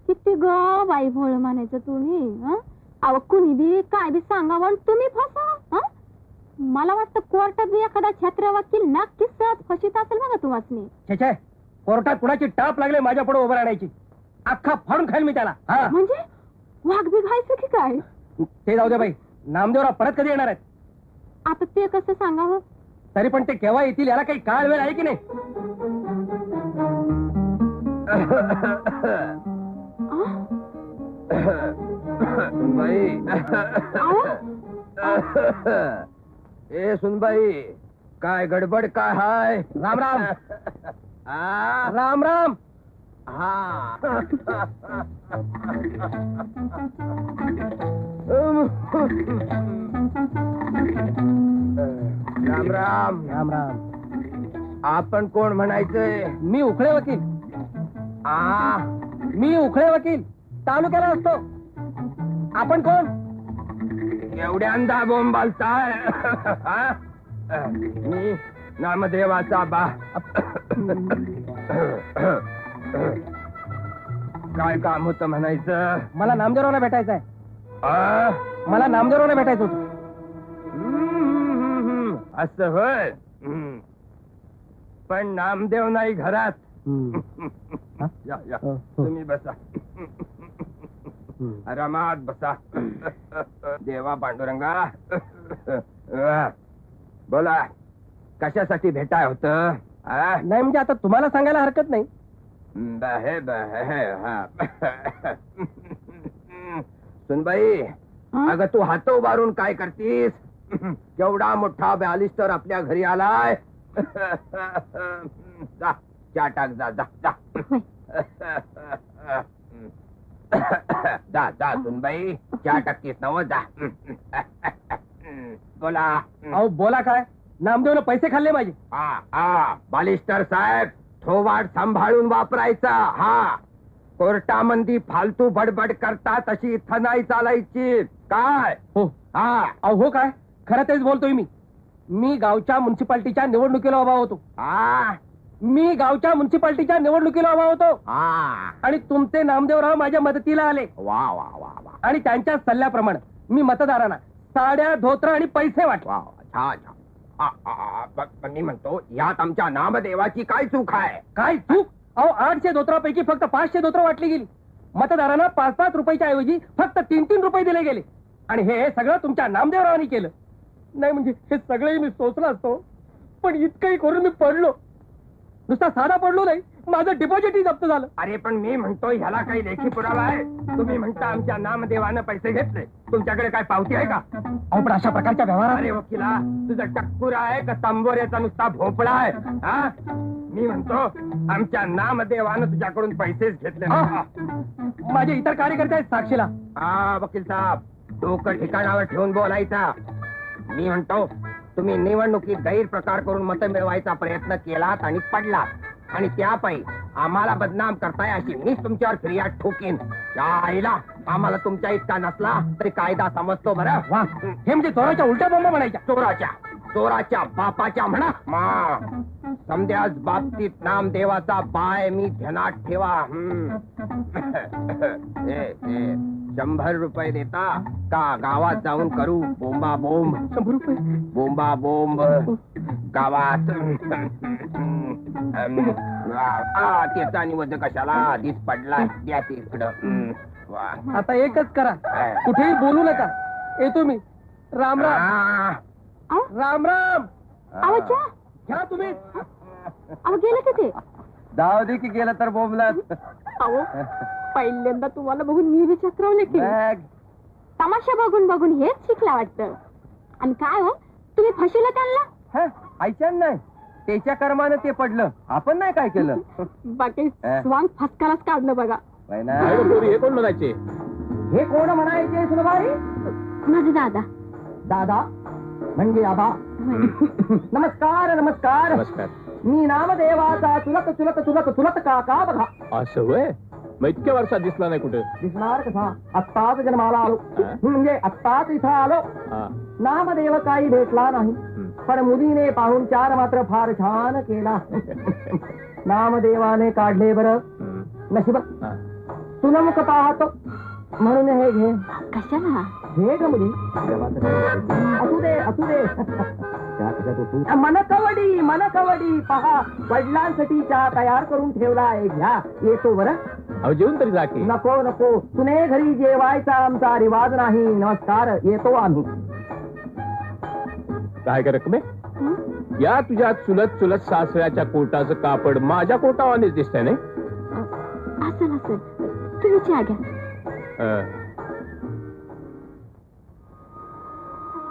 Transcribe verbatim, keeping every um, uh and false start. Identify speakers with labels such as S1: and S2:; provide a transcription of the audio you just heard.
S1: किती ग बाई भोळ म्हणायचं तुम्ही. अव कुणी बी काय बी सांगावं आणि तुम्ही फसा. मला वाटतं कोर्टात बी एखादा छत्र वकील नक्कीच सहज फशीत असेल बघा तुम्हाला.
S2: छे, कोर्टात कुणाची टाप लागले माझ्या पुढे उभं राहण्याची. अख्खा फाडून खाईल मी त्याला.
S1: म्हणजे वाघ बी घायचं की काय?
S2: ते जाऊ दे बाई. नामदेवराव परत कधी येणार आहेत?
S1: आता ते कसं सांगावं?
S2: तरी पण ते केव्हा येतील याला काही काळ वेळ आहे की नाही?
S3: सुनबाई, ए सुनबाई, काय गडबड काय हाय?
S2: राम राम.
S3: आ,
S2: राम राम.
S3: हा राम राम.
S2: राम राम.
S3: आपण कोण म्हणायचंय?
S2: मी उखळे वकील.
S3: आ
S2: मी उखळे वकील तालुक्याला असतो. आपण कोण?
S3: एवढ्यांदा बोंब बालताय? मी नामदेवाचा बा. काय काम होतं म्हणायचं?
S2: मला नामदेवरावला भेटायचं आहे.
S3: आ?
S2: मला नामदेवरावला भेटायचं होतं.
S3: हम्म, असं होय. हम्म. पण नामदेव नाही घरात. या, या. तुम्ही बसा. आरामात बसा. देवा पांडुरंगा. बोला, कशासाठी भेटाय होत?
S2: नाही म्हणजे आता तुम्हाला सांगायला हरकत नाही.
S3: बहे बहे हा. सुनबाई, अगं तू हात उभारून काय करतीस? केवढा मोठा बॅलिस्टर आपल्या घरी आलाय. जा चहा टाक. जा जा जा. जा जा सुनबाई, चहा टाकीस नव. जा. बोला.
S2: अहो बोला काय? नामदेवनं पैसे खाल्ले माझे.
S3: हा हा बालिस्टर साहेब, थोवाड सांभाळून वापरायचा. हा, कोर्टामंदी फालतू बडबड करता तशी इथं नाही चालायची. काय?
S2: हो.
S3: हा.
S2: अहो हो काय? खरं तेच बोलतोय मी. मी गावच्या म्युन्सिपाल्टीच्या निवडणुकीला उभा होतो.
S3: हा.
S2: मी गावच्या म्युन्सिपाल्टीच्या निवडणुकीला उभा होतो.
S3: हा.
S2: आणि तुमचे नामदेवराव माझ्या मदतीला आले.
S3: वा वा वा वा.
S2: आणि त्यांच्या सल्ल्याप्रमाणे मी मतदारांना साड्या, धोत्र आणि पैसे वाटले.
S3: वा छान छान. आ, आ, आ, ब- मी म्हणतो यात आमच्या नामदेवाची काय चूक आहे?
S2: काय चूक? अहो आठशे धोत्रापैकी फक्त पाचशे धोत्र वाटली गेली. मतदारांना पाच पाच रुपयाच्या ऐवजी फक्त तीन तीन रुपये दिले गेले. आणि हे सगळं तुमच्या नामदेवरावांनी केलं. नाही म्हणजे हे सगळंही मी सोचलं असतो, पण इतकंही करून मी पडलो. नुसता साधा पडलो नाही, माझं डिपॉझिटही जप्त झालं.
S3: अरे पण मी म्हणतो ह्याला काही लेखी पुरावा आहे? तुम्ही म्हणता आमच्या नामदेवानं पैसे घेतले, तुमच्याकडे काय पावती आहे का?
S2: अहो पण अशा प्रकारच्या व्यवहारात
S3: अरे वकिला, तुझं टक्कुर आहे का तांबोऱ्याचा नुसता भोपळा आहे? हा, मी म्हणतो आमच्या नामदेवानं तुझ्याकडून पैसेच घेतले.
S2: हा. माझे इतर कार्यकर्ते आहेत साक्षीला.
S3: हा वकील साहेब, डोकं ठिकाणावर ठेवून बोलायचा. मी म्हणतो तुम्ही निवडणुकीत गैरप्रकार करून मत मिळवायचा प्रयत्न केलात आणि पडलात, आणि त्यापायी आम्हाला बदनाम करताय अशी मीच तुमच्यावर फिर्याद ठोकीन. त्या आईला आम्हाला तुमच्या इतका नसला तरी कायदा समजतो बरं.
S2: वा, हे म्हणजे चोराच्या उलट्या बोंबा म्हणायच्या.
S3: चोराच्या चोराच्या बापाच्या म्हणा. मा समद्याच बाबतीत नामदेवाचा बाय मी ध्यानात ठेवा. हम्म. ए, ए, शंभर रुपये देता का गावात जाऊन करू बोंबा बोंब?
S2: शंभर रुपये
S3: बोंबा बोंब गावात. आ, त्याचा निवड कशाला आधीच पडला. द्या ते इकडं. वा.
S2: आता एकच करा, कुठेही बोलू नका. येतो मी. राम राम.
S3: आ,
S2: राम राम.
S1: अहो चा,
S2: घ्या तुम्ही.
S1: अहो गेलं का ते?
S2: जाऊ दे की गेलं तर बोंबलात.
S1: अहो पहिल्यांदा तुम्हाला बघून मी विचक्रवले की तमाशा बघून बघून हेच शिकला वाटतं. आणि काय हो, तुम्ही फशीला त्यांना?
S2: ऐच्यान नाही, त्याच्या कर्मानं ते पडलं. आपण नाही काय केलं.
S1: बाकी स्वांग फसकालाच काढलं बघा.
S2: हे कोण म्हणायचे? हे कोण म्हणायचे सुनबाई?
S1: माझे दादा.
S2: दादा म्हणजे आबा. नमस्कार नमस्कार.
S4: नमस्कार.
S2: मी नामदेवाचा चुलत चुलत चुलत चुलत काका बघा.
S4: असं होय? मग इतक्या वर्षात दिसला नाही कुठे?
S2: दिसणार कसा? आत्ताच जन्माला आलो, म्हणजे आत्ताच इथं आलो. नामदेव काही भेटला नाही, पण मुलीने पाहून चार मात्र फार छान केला. नामदेवाने काढले बरं नशीब.
S3: सुनमुख पाहतो म्हणून हे घे
S1: कशाला
S3: घे ग मुली असू दे असू दे मनकवडी मनकवडी पहा वडिलांसाठी चहा तयार करून ठेवला आहे घ्या येतो बरं
S4: अहो जेवून तरी जा की.
S3: नको नको तुने घरी जेवायचा आमचा रिवाज नाही नमस्कार येतो आम्ही
S4: काय कर रकमे
S1: हं?
S4: या तुझ्या चुलत चुलत सासऱ्याच्या कोटाचं कापड माझ्या कोटावानेच दिसतंय नाही
S1: असेल असेल तुम्ही चहा घ्या
S4: अं,